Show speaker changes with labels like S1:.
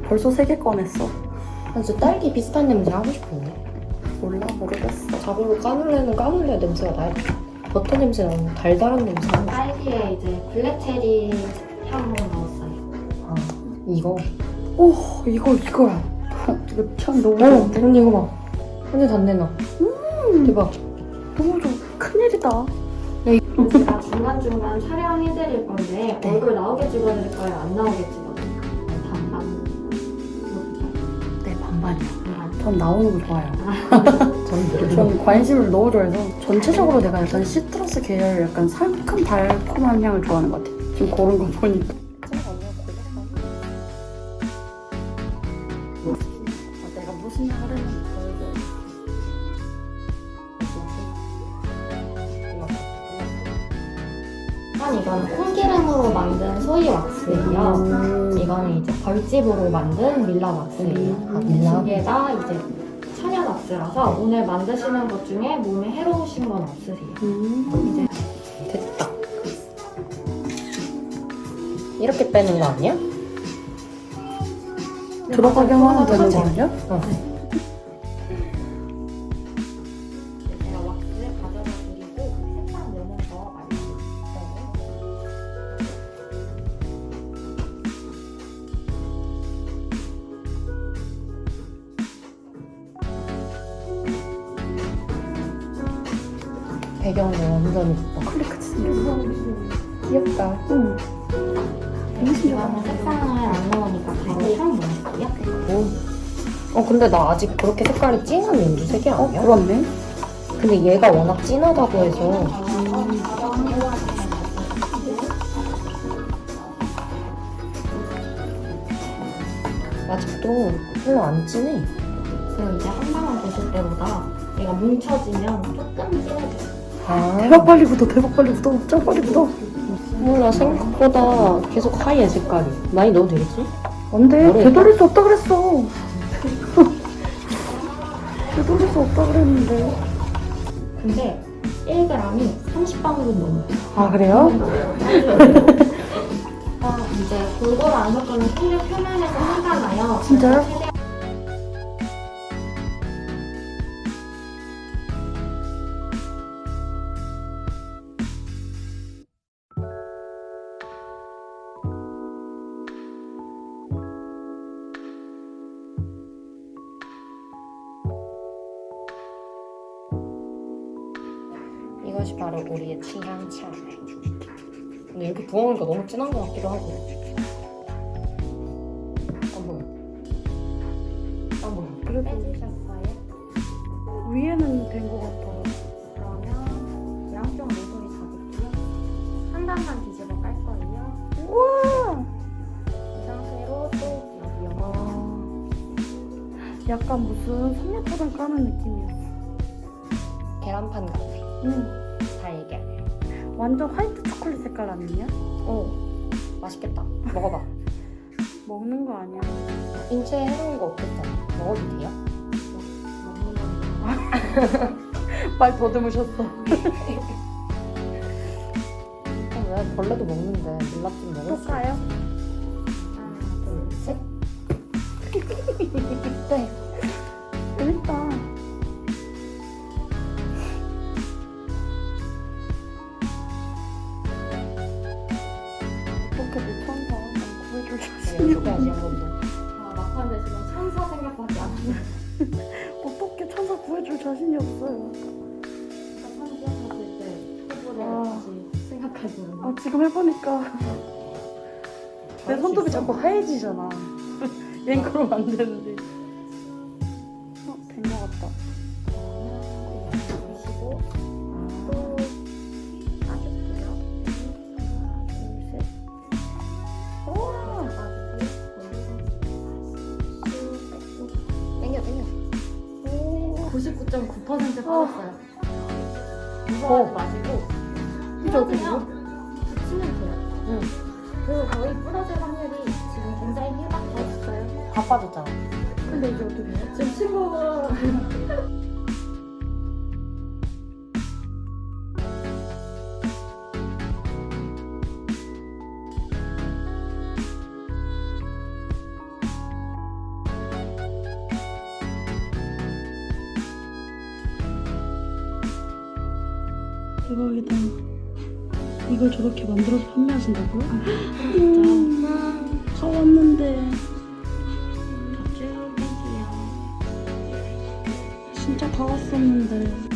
S1: 벌써 3개 꺼냈어.
S2: 나 진짜 딸기 비슷한 냄새 하고 싶은데.
S1: 몰라, 모르겠어.
S2: 자고로 까눌레는 까눌레 냄새가 나야 돼. 버터 냄새 나는 달달한 냄새 나는.
S3: 딸기에 이제 블랙체리 향을 넣었어요.
S2: 아, 이거.
S1: 오, 이거야. 이거 참 너무
S2: 언니 이거 봐. 완전 단내 나. 대박.
S1: 너무 좋아. 큰일이다.
S3: 제가 중간중간 촬영해드릴 건데
S1: 네.
S3: 얼굴 나오게 찍어드릴까요? 안 나오게 찍어드릴까요? 반반.
S1: 네, 반반이요.
S3: 반반.
S1: 전 나오는 거 좋아요.
S2: 저는
S1: 전 관심을 너무 좋아해서 전체적으로 내가 약간 시트러스 계열 약간 상큼 달콤한 향을 좋아하는 것 같아. 지금 고른 거 보니까. 내가 무슨 향을 했는지 보여줘.
S3: 일단 이거는 콩기름으로 만든 소이 왁스예요. 이거는 이제 벌집으로 만든 밀라 왁스예요.
S2: 아, 밀라?
S3: 두 개 다 이제 천연 왁스라서 오늘 만드시는 것 중에 몸에 해로우신 건 없으세요. 이제
S2: 됐다. 이렇게 빼는 거 아니야?
S1: 들어가게 하면 되는 거
S2: 하지.
S1: 아니야?
S3: 제가 왁스 가져다 드리고 색상 내는 거 말씀드릴게요.
S2: 배경도 완전 예뻐.
S1: 클리크치 생겼어.
S2: 귀엽다.
S1: 응. 너무
S3: 이거는
S1: 신기하다.
S3: 색상을 안 넣으니까 바로 향 넣을게요.
S2: 근데 나 아직 그렇게 색깔이 진한 민주색이 아니야?
S1: 그렇네.
S2: 근데 얘가 워낙 진하다고 해서 아직도 별로 안 진해.
S3: 그리고 이제 한 방울 보실 때보다 얘가 뭉쳐지면 조금 진해져요.
S1: 대박 빨리 굳어, 대박 빨리 굳어, 짱 빨리 굳어.
S2: 몰라, 생각보다 계속 하얘 색깔이. 많이 넣어도 되겠지?
S1: 안 돼,
S2: 모르겠다.
S1: 되돌릴 수 없다 그랬어. 되돌릴 수 없다 그랬는데.
S3: 근데 1g이 30방울은 넘어요.
S1: 아, 그래요?
S3: 이제 골고루 안 섞으면 손질 표면에서 화가 나요.
S1: 진짜요?
S3: 최대한
S2: 이것이 바로 우리의 취향차. 근데 이렇게 부어오니까 너무 진한 것 같기도 하고. 안 보여. 안 보여.
S1: 그래도
S3: 빼주셨어요.
S1: 위에는 된 것 같아.
S3: 그러면 양쪽 모서리 잡을게요. 한 단만 뒤집어 깔 거예요.
S1: 우와!
S3: 이 상태로 또 여기요.
S1: 아, 약간 무슨 삼겹포장 까는 느낌이었어.
S2: 계란판 같아.
S1: 응.
S2: 달걀.
S1: 완전 화이트 초콜릿 색깔 아니냐?
S2: 맛있겠다. 먹어봐.
S1: 먹는 거 아니야?
S2: 인체에 해로운 거 없겠잖아. 먹어도 돼요?
S1: 말 더듬으셨어.
S2: 왜 벌레도 먹는데 밀랍 좀 먹을
S1: 또
S2: 수
S1: 까요?
S3: 하나, 둘, 셋.
S1: 네. 재밌다. 어떻게 내 천사 구해줄 자신이
S2: 연습해야지
S1: 없네.
S2: 한 번도.
S3: 막판에 지금 천사 생각밖에 안 나요.
S1: 어떻게 천사 구해줄 자신이 없어요.
S3: 천사 생각했을 때 후보를
S1: 아.
S3: 다시 생각하시는 거.
S1: 아, 지금 해보니까 내
S2: 할수
S1: 손톱이
S2: 있어?
S1: 자꾸 하얘지잖아. 얜 그러면 안 되는데. 된 것 같다.
S3: 보시고 또 빠질게요.
S1: 하나, 둘, 셋. 우와!
S2: 땡겨 땡겨.
S3: 99.9% 빠졌어요.
S2: 어.
S3: 무서워하지 마시고
S1: 이제 어떻게 해요?
S3: 붙이면 돼요.
S2: 응.
S3: 그리고 거의 부러질 확률이 지금 굉장히 희박해졌어요.
S2: 다 빠졌잖아.
S1: 근데 이제 어떻게 해요?
S3: 지금 친구가
S1: 대박이다. 이걸 저렇게 만들어서 판매하신다고요?
S3: 진짜.
S1: 사왔는데
S3: 쭉 해주세요.
S1: 진짜 다 왔었는데